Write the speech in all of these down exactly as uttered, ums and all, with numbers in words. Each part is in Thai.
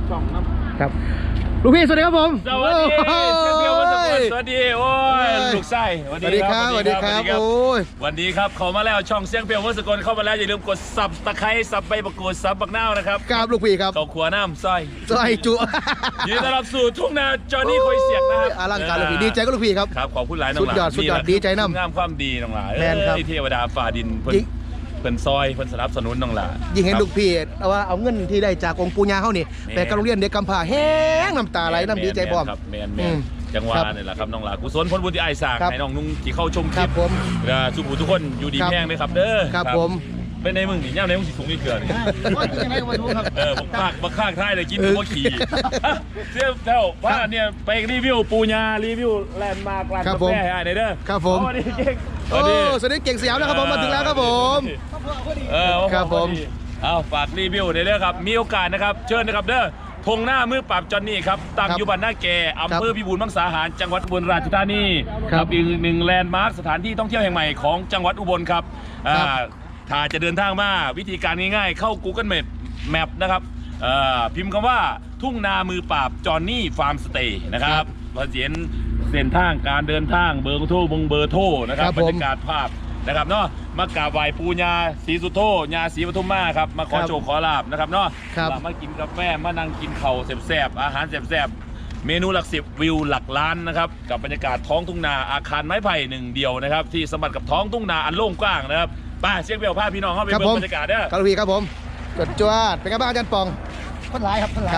ช่องน้ำครับลูกพี่สวัสดีครับผมสวัสดีเชฟเบียววัสดุสวัสดีโอ้ยลูกไส้สวัสดีครับสวัสดีครับโอ้ยวันนี้ครับเข้ามาแล้วช่องเสียงเปียววัสดุเข้ามาแล้วอย่าลืมกดซับตะไคร้ซับใบมะกรูดซับบักนาวนะครับครับลูกพี่ครับข้าวขัวน้ำสร้อยสร้อยจุยินดีต้อนรับสู่ทุ่งนาจอห์นนี่คอยเสียกนะครับอลังการลูกพี่ดีใจก็ลูกพี่ครับครับขอบคุณหลายน้องหลานสุดยอดสุดยอดดีใจน้ำงามความดีน้องหลานแมนครับเทวดาฝ่าดินเพิ่นเพิ่นซอยเพิ่นสนับสนุนน้องหลานยิ่งเห็นลูกพี่ว่าเอาเงินที่ได้จากองค์ปู่ย่าเขานี่ไปกับโรงเรียนเด็กกำพร้าแห้งน้ำตาไหลน้ำดีใจพร้อมแมนแมนจังหวะนี่แหละครับน้องหลานกุศลผลบุญที่ไอ้สากให้น้องนุ่งที่เข้าชมคลิปผมสุภูทุกคนอยู่ดีแห้งเลยครับเด้อครับผมเป็นในมึงนี่ย่าในมึงสีสูงนี่เกลือนี่เออบักคากบักคากท้ายเลยกินบักขี่เสี้ยวเท่าว่าเนี่ยไปรีวิวปูญารีวิวแลนด์มาร์กร้านกาแฟให้ไอ้เด้อครับผมสวัสดีเก่งโอ้สวัสดีเก่งสยามนะครับผมมาถึงแล้วครับผมเออครับผมเอาฝากรีวิวเด้อครับมีโอกาสนะครับเชิญนะครับเด้อธงหน้ามือปราบจอนนี่ครับตั้งอยู่บ้านหน้าแก่อำเภอพิบูลมังสาหารจังหวัดอุบลราชธานีครับอีกหนึ่งแลนด์มาร์คสถานที่ท่องเที่ยวแห่งใหม่ของจังหวัดอุบลครับถ้าจะเดินทางมาวิธีการง่ายๆเข้า Google Map Map นะครับพิมพ์คำว่าทุ่งนามือปราบจอนนี่ฟาร์มสเตย์นะครับเราเห็นเส้นทางการเดินทางเบอร์โทรบงเบอร์โทรนะครับบรรยากาศภาพนะครับเนาะมากราบไหว้ปูญาศรีสุโธญาศรีปทุมมาครับมาขอโชคขอลาบนะครับเนาะมากินกาแฟมานั่งกินเข่าแซ่บๆอาหารแซ่บๆเมนูหลักสิบวิวหลักล้านนะครับกับบรรยากาศท้องทุ่งนาอาคารไม้ไผ่หนึ่งเดียวนะครับที่สมบัติกับท้องทุ่งนาอันโล่งกว้างนะครับป้าเชียงเบลพาพี่น้องเข้าไปเบิ่งบรรยากาศเด้อครับพี่ครับผมจดจวดเป็นไงบ้างอาจารย์ปองคนหลายครับคนหลาย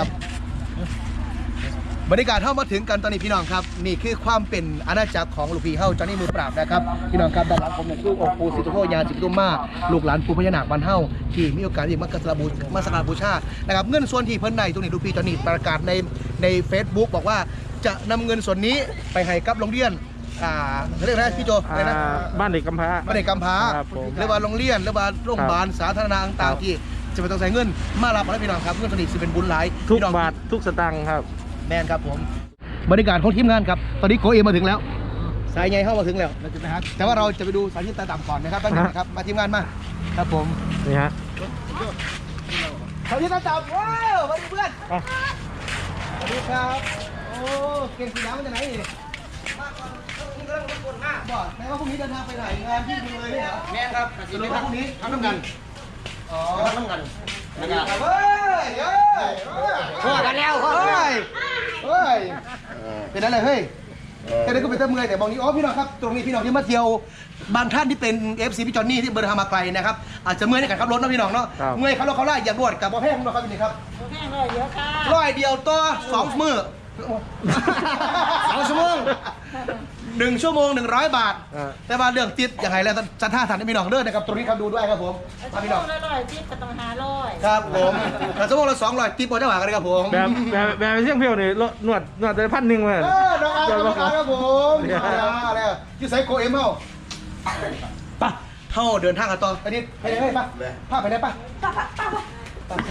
บรรยากาศเข้ามาถึงกันตอนนี้พี่น้องครับนี่คือความเป็นอาณาจักรของลูกพี่เฮ้าจอนนี่มือปราบนะครับพี่น้องครับด้านหลังผมเนี่ยคือองค์ปู่ศรีสุโธญาศรีปทุมมาลูกหลานปู่พญานาคบ้านเฮ้าที่มีโอกาสที่มากราบบูมาสักการบูชานะครับเงินส่วนที่เพิ่นในตรงนี้ลูกพี่จอนนี่ประกาศในในเฟซบุ๊กบอกว่าจะนำเงินส่วนนี้ไปให้กับโรงเรียนอ่าเรียกอะไรพี่โจอะไรนะบ้านเด็กกำพร้าบ้านเด็กกำพร้าหรือว่าโรงเรียนหรือว่าโรงพยาบาลสาธารณะต่างๆที่จะไปต้องใส่เงินมารับให้พี่น้องครับเงินส่วนนี้จะเป็นบุญหลายทุกบาททุกสตางค์ครับแมนครับผมบรรยากาศของทีมงานครับตอนนี้โกเอมาถึงแล้วสายใหญ่เข้ามาถึงแล้วเราจะไปครับแต่ว่าเราจะไปดูสายที่ตาต่ำก่อนนะครับตั้งแต่ครับมาทีมงานมาครับผมนี่ฮะสายที่ตาต่ำว้าวสวัสดีเพื่อนสวัสดีครับโอ้เก่งสีน้ำมันจะไหนนี่มาก่อนนี่ก็ต้องกดหน้าบอกแม้ว่าพรุ่งนี้เดินทางไปไหนงานพี่ดูเลยเนี่ยแม่ครับสรุปว่าพรุ่งนี้ทำน้ำกันอ๋อทำน้ำกันนะครับเฮ้ยเฮ้ยพอกันแล้วเฮ้ยเฮ้ยเป็นอะไรเฮ้ยแต่นี่ก็เป็นเมื่อยแต่บอกนี้อ๋อพี่น้องครับตรงนี้พี่น้องที่มาเที่ยวบางท่านที่เป็น เอฟ ซี พี่จอนนี่ที่เดินทางมาไกลนะครับอาจจะเมื่อยในการขับรถนะพี่น้องเนาะเมื่อยขับรถเขาไล่อย่างรวดกับบ่อแห้งนะครับพี่นี่ครับบ่อแห้งร้อยเดียวค่ะร้อยเดียวต่อสองมือสองชั่วโมงหนึ่งชั่วโมงหนึ่งร้อยบาทแต่ว่าเรื่องติดอย่างไรแล้วจะท่าทางที่พี่น้องเดินนะครับตรงนี้ครับดูด้วยครับผมพี่น้องละร้อยติดก็ต้องหาร้อยครับผมแต่ชั่วโมงละสองร้อยติดบอลจังหวะกันครับผมแบบแบบแบบเสี่ยงเพียวนี่นวดนวดแต่พันหนึ่งเลยเออน้องอาร์ตน้องอาร์ตครับผมอะไรที่ไซโกเอ็มเฮาปะเท่าเดินทางกันต่อไปนี่ไปได้ไหมปะพาไปได้ปะปะปะปะปะ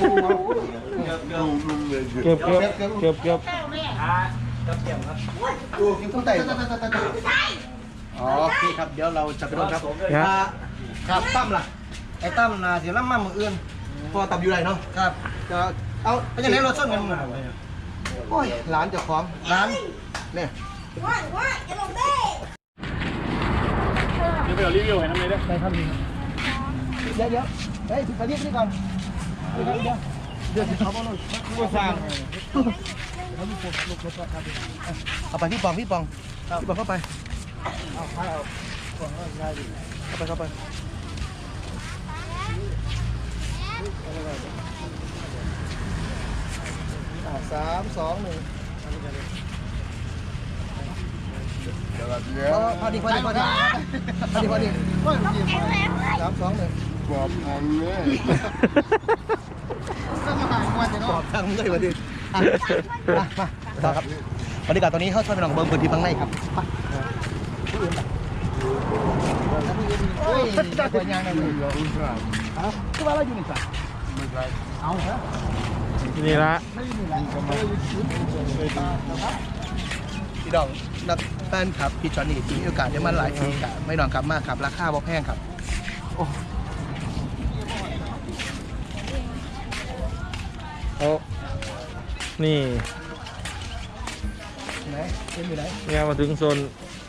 เก็บเก็บเก็บเก็บเก็บดูกินข้าวไต่อ๋อพี่ครับเดี๋ยวเราจะไปดูครับครับตั้มล่ะไอ้ตั้มนาเสียล้ำมั่งมืออื่นพอตับอยู่ไรเนาะครับจะเอาเป็นยังไงรถส้นกันโอ้ยร้านเจ้าของร้านเนี่ยว้ายว้ายอย่าลงเด้เดี๋ยวไปเอารีวิวให้น้ำเลยได้ได้ครับเดี๋ยวเดี๋ยวเฮ้ยไปเรียกนี่ก่อนเดี๋ยวเดี๋ยวเดี๋ยวเขาบอกเลยผู้สร้างเอาไปพี่ปองพี่ปองพี่ปองเข้าไปเอาไปเอาเข้าไปเข้าไปสามสองหนึ่งพอดีพอดีพอดีพอดีพอดีสามสองหนึ่งกรอบทางเลยกรอบทางเลยพอดีมามาต่อครับบรรยากาศตอนนี้เข้าช่วยไปหน่องเบิ้งพื้นที่ข้างในครับไปที่อื่นแบบเฮ้ยตัวยางนั่นเลยคือว่าเราอยู่ในสระเอาเหรอนี่ละพี่ดองนักแฟนครับพี่จอนนี่มีโอกาสได้มาหลายปีครับไม่นอนกลับมากครับราคาบ่แพงครับโอ้โอ้นี่ไหนเอ็มอยู่ไหนเนี่ยมาถึงโซน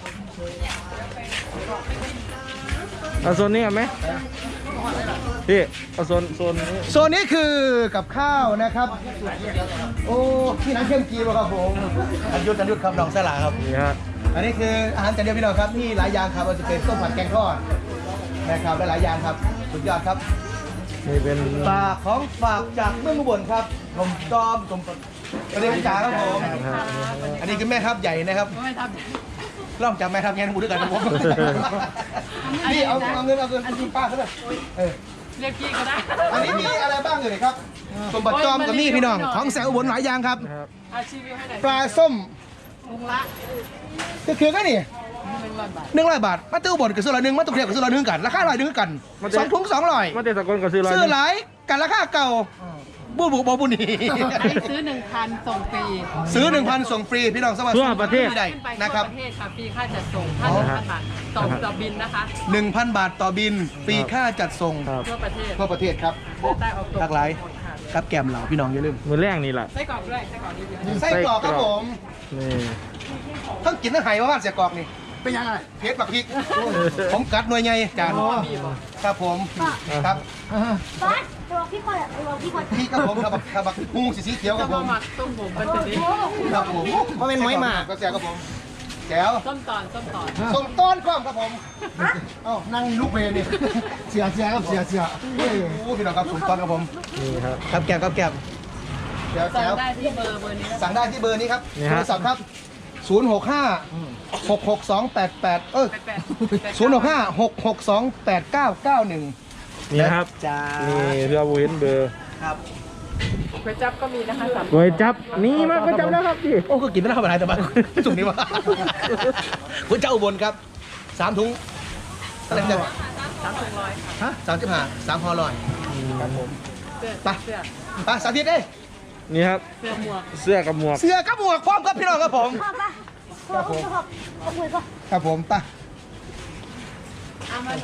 เอาโซนนี้กันไหมพี่เอาโซนโซนนี้โซนนี้คือกับข้าวนะครับ โอ้ที่น้ำเข้มกีบครับผมอันยุทธอันยุทธครับน้องสลาครับนี่ฮะอันนี้คืออาหารจานเดียวพี่น้องครับนี่หลายอย่างครับว่าจะเป็นต้มผัดแกงทอดนะครับหลายๆอย่างครับสุดยอดครับนี่เป็นฝากของฝากจากเมืองอุบลครับผมจอมผมอันนี้เป็นจ่าครับผมอันนี้คือแม่ทัพใหญ่นะครับล่องจากแม่ทัพแง่หมูด้วยกันครับผมนี่เอาเอาเงินเอาเงินคุณป้าเขาเลยเออเรียกพี่ก็ได้อันนี้มีอะไรบ้างเลยครับสมบัติจอมกับนี่พี่น้องของแสงอุบลหลายอย่างครับนะครับอาชีพให้หน่อยปลาส้มลุงละก็คือก็นี่หนึ่งร้อยบาทหนึ่งร้อยบาทมาตู้อุบลกับซื้อละหนึ่งมาตู้เทียบกับซื้อละหนึ่งกันราคาร้อยหนึ่งกันสองถุงสองร้อยมาเตะสกลกับซื้อร้อยซื้อหลายกันราคาเก่าบูบูบอบุนีซื้อหนึ่งพันส่งฟรีซื้อหนึ่งพันส่งฟรีพี่น้องสวัสดิ์ทั่วประเทศที่ใดขึ้นไปทั่นะวครับประเทศค่ะฟรีค่าจัดส่งค่าหนึ่งพันบาทต่อต่อบินนะคะหนึ่งพันบาทต่อบินฟรีค่าจัดส่งครับทั่วประเทศทั่วประเทศครับใต้ออกตกหลากหลายครับแกมเหล่าพี่น้องอย่าลืมมือแรกนี่แหละไส้กรอกด้วยไส้กรอกนี่ไส้กรอกครับผมนี่ทั้งกินทั้งไห้ว่าบ้านเสียกรอกนี่เป็นยังไงเพชรบักพริกผมกัดหน่วยใหญ่จานครับผมครับบ้านตัวพี่คนอะตัวพี่คนพี่ครับผมครับครับบักงูสีสีเขียวคจะรับผมมาหมักต้มผมมันจะดีครับผมเพราะเป็นน้อยมาก็เสียครับผมแจ๋วส้มตอนส้มตอนส่งต้นกล้องครับผมเอ้านั่งลูกเพลนี่เสียเสียครับเสียเสียโอ้โหพี่น้องครับส่งต้นครับผมนี่ครับครับแก้วครับแก้วแก้วสั่แก้งวได้ที่เบอร์เบอร์นี้นะสั่งได้ที่เบอร์นี้ครับนี่โทฮะรศัพท์ครับ ศูนย์ หก ห้า หก หก สอง แปด แปด เออแปดศูนย์ หก ห้า หก หก สอง แปด เก้า เก้า หนึ่งนี่ครับจ้านี่เรือบูเห็นเบอร์ครับก๋วยจั๊บก็มีนะคะสามก๋วยจับนี่มาก๋วยจับแล้วครับพี่โอ้ก็กินไม่ได้ทำอะไรแต่บ้านจุดนี้วะคุณเจ้าอุบลครับสามถุงอะไรเนี่ยสามถุงร้อยค่ะฮะสามสิบห้าสามห่อลอยครับผมเสื้อไปเสื้อไปสาธิตเอ้ยนี่ครับเสื้อหมวกเสื้อกับหมวกเสื้อกับหมวกพร้อมครับพี่น้องครับผมพ่อปะพ่อพ่อพ่อพ่อคุยพ่อครับผมไปเอามาหนู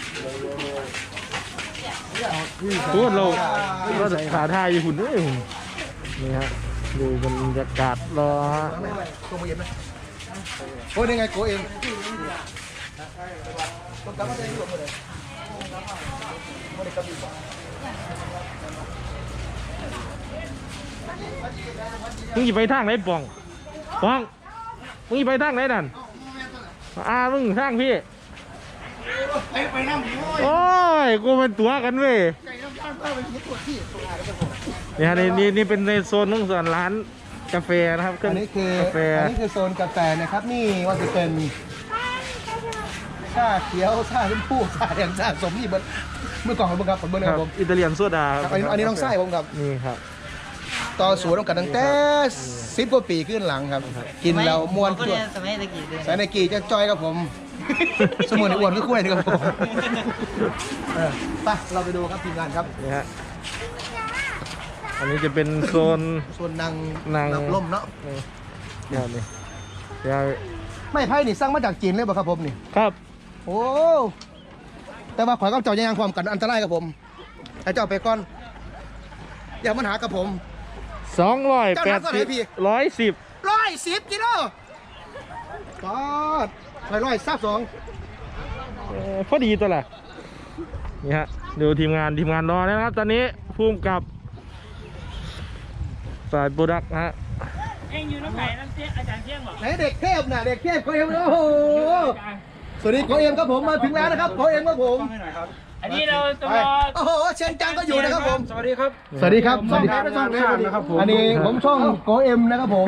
พูดเราก็ขาท่าอยู่หุ่นด้วยหุ่นนี่ฮะดูบรรยากาศรอฮะตัวมือเย็นไหมโอ้ยยังไงโกเองต้องกลับมาได้ที่หลบเลยไม่ได้กลับดีกว่ามึงจะไปทางไหนป่องป่องมึงจะไปทางไหนนั่นอ่ามึงทางพี่โอ้ยกูเป็นตัวกันเว้ยนี่ฮะนี่นี่นี่เป็นในโซนของส่วนร้านกาแฟนะครับเครื่อัองนนี้คือกาแฟอันนี้คือโซนกาแฟนะครับ นี่ว่าจะเป็นชาเขียวชาชมพูชาแดงชาสมนี่เบิร์ดเมื่อก่อนของผมครับผมเบิร์ดคครัรับบผมอิตาเลียนโซดาครับอันนี้อันนี้น้องไส้ผมครับนี่ครับต่อสวนต้องกันตั้งแต่สิบกว่าปีขึ้นหลังครับ กินแล้วมวนตัวสมัยตะกี้เลยสายในกีจะจอยกับผม สมุนในอ้วนก็คุ้ยนี่ครับผมเออไปเราไปดูครับทีมงานครับนี่ฮะอันนี้จะเป็นโซนส่วนนางนางรับลมเนาะนี่เดี๋ยวนี่เดี๋ยวไม่ไพ่นี่สร้างมาจากจีนเลยป่ะครับผมนี่ครับโอ้แต่ว่าข่อยก็เจ้ายังความกันอันตรายกับผมให้เจ้าไปก่อนอย่ามันหากับผมสองร้อยแปดเจ้าหนักกว่าไหสินบพี่ร้อยสิบร้อยสิบกิโลปอดร้อยร้อยซับสองเอ่อพอดีตัวละนี่ฮะดูทีมงานทีมงานรอแล้วนะครับ ตอนนี้ภูมิกับฝ่ายโปรดักต์ฮะเอ็งอยู่น้ำไหนน้ำเตี้ยอาจารย์เที่ยงบอกไหนเด็กเทพน่ะเด็กเทพโคเอ็มโอ้โหสวัสดีโคเอ็มครับผมมาถึงแล้วนะครับโคเอ็มครับผมอันนี้เราตัวโอ้โหเชียนจังก็อยู่นะครับผมสวัสดีครับสวัสดีครับสวัสดีครับช่องไหนช่องไหนนะครับผมอันนี้ผมช่องโกเอ็มนะครับผม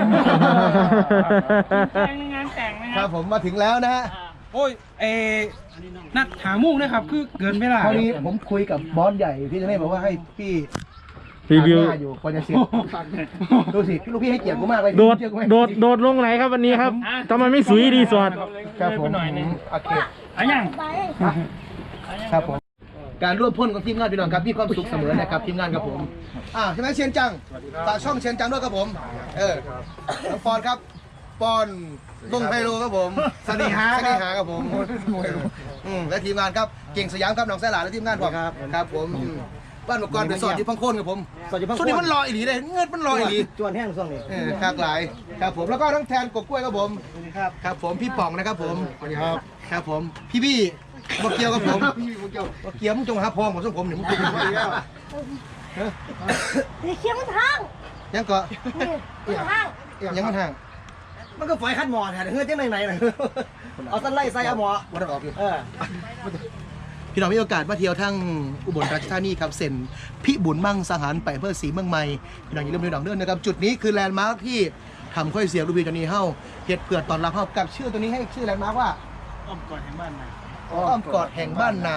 แต่งงานแต่งนะคครัรับบ ผมมาถึงแล้วนะฮะโอ้ยเอนัดหามุ่งนะครับ คือเกินไม่ได้คราวนี้ผมคุยกับบอสใหญ่พี่จะได้บอกว่าให้พี่รีวิวหน้าอยู่ก่อนจะเสร็จดูสิลูกพี่ให้เกียรติกูมากเลยโดดเกียรติกูไหมโดดโดดลงไหนครับวันนี้ครับทำไมไม่สุยรีสอร์ทครับผมโอเคอันยังไปครับผมการร่วมพ่นของทีมงานพี่น้องครับมีความสุขเสมอนะครับทีมงานกับผมอ่าใช่ไหมเชียนจังฝากช่องเชียนจังด้วยครับผมเออน้องปอนครับปอนวงไพโลครับผมสนิหาสนิหาครับผมอืมและทีมงานครับเก่งสยามครับน้องแซ่หลาและทีมงานผมครับครับผมอืมบ้านอุปกรณ์ไปสอดอยู่พังโคนครับผมสอดอยู่พังโคนส่วนนี้มันลอยอีหลีเลยเงินมันลอยอีหลีจวนแห้งส่วนนี้คากหลายครับผมแล้วก็ทั้งแทนกบกล้วยครับผมครับครับผมพี่ป๋องนะครับผมสวัสดีครับครับผมพี่บี้บอกเกียวกับผมพี่บอกเกียวบอกเกียวมึงจงหาพองของส้มผมเนี่ยมึงกินไม่ได้แล้วเดี๋ยวเคี้ยวมันทางยังก็มันทางยังมันห่างมันก็ฝอยคัดหมอแทนเฮ้ยจังไหนไหนน่ะเอาสั้นไล่ใส่เอาหมอวัดออกอยู่เออพี่น้องมีโอกาสมาเที่ยวทั้งอุบลราชธานีครับเส้นพิบูลมั่งสังหารไปอำเภอศรีเมืองใหม่พี่น้องอย่าลืมดูหนังเรื่องนะครับจุดนี้คือแลนด์มาร์คที่ทำค่อยเสียงรูบีจอนี้เฮ้าเฮ็ดเพื่อตอนรับเฮ้ากับชื่อตัวนี้ให้ชื่อแลนด์มาร์คว่าอ้อมกอดแห่งบ้านนาอ้อมกอดแห่งบ้านนา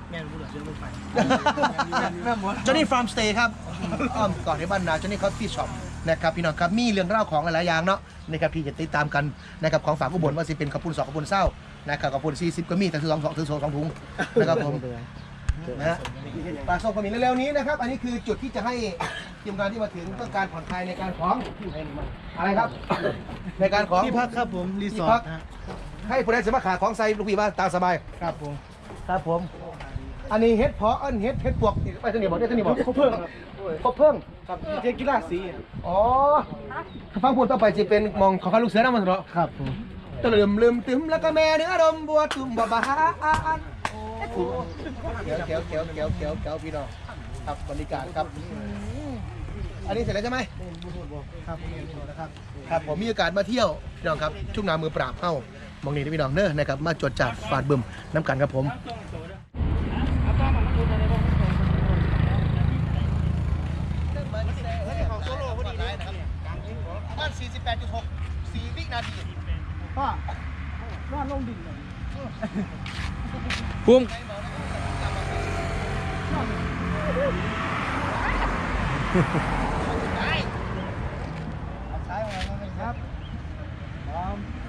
จอนี่ฟาร์มสเตย์ครับอ้อมกอดแห่งบ้านนาจอนี่คอฟฟี่ช็อปนะครับพี่น้องครับมีเรื่องเล่าของหลายๆอย่างเนาะนะครับพี่จะติดตามกันนะครับของฝากอุบลว่าสิเป็นข้าวปุ้นสองข้าวปุ้นเศร้านะครับข้าวปุ้นสี่สิบก็มีแต่ถือสองสองถือสองสองถุงนะครับผมนะฮะปลาส้มก็มีเร็วๆนี้นะครับอันนี้คือจุดที่จะให้ทีมงานที่มาถึงต้องการผ่อนคลายในการของอะไรครับในการของที่พักครับผมรีสที่อพัร์กทฮะให้ผู้ใดสมัครขาของใส่ลูกพี่บ้านตามสบายครับผมครับผมอันนี้เฮ็ดเพาะอันเฮ็ดเฮ็ดปวกไปทางนี้บอกได้ทางนี้บอกเขาเพิ่งเขาเพิ่งครับเทกีฬาสีอ๋อฟังพูดต่อไปจะเป็นมองของข้าลูกเสือนะมันเหรอครับผมตะลืมลืมตึมแล้วก็แม่เนื้อดมบัวตุ่มบัวบาอันเขียวเขียวเขียวเขียวเขียวเขียวพี่น้องครับบรรยากาศครับอันนี้เสร็จแล้วใช่ไหมครับนะครับครับผมมีโอกาสมาเที่ยวพี่น้องครับชุ่มน้ำมือปราบเข้ามองนี่นะพี่น้องเนอะนะครับมาจดจัดฟาดบึมน้ำกันครับผมประมาณ สี่สิบแปดจุดหก สี่ วินาทีพ่อรอดลงดินเลยพุ่มใช้ของเราครับพร้อม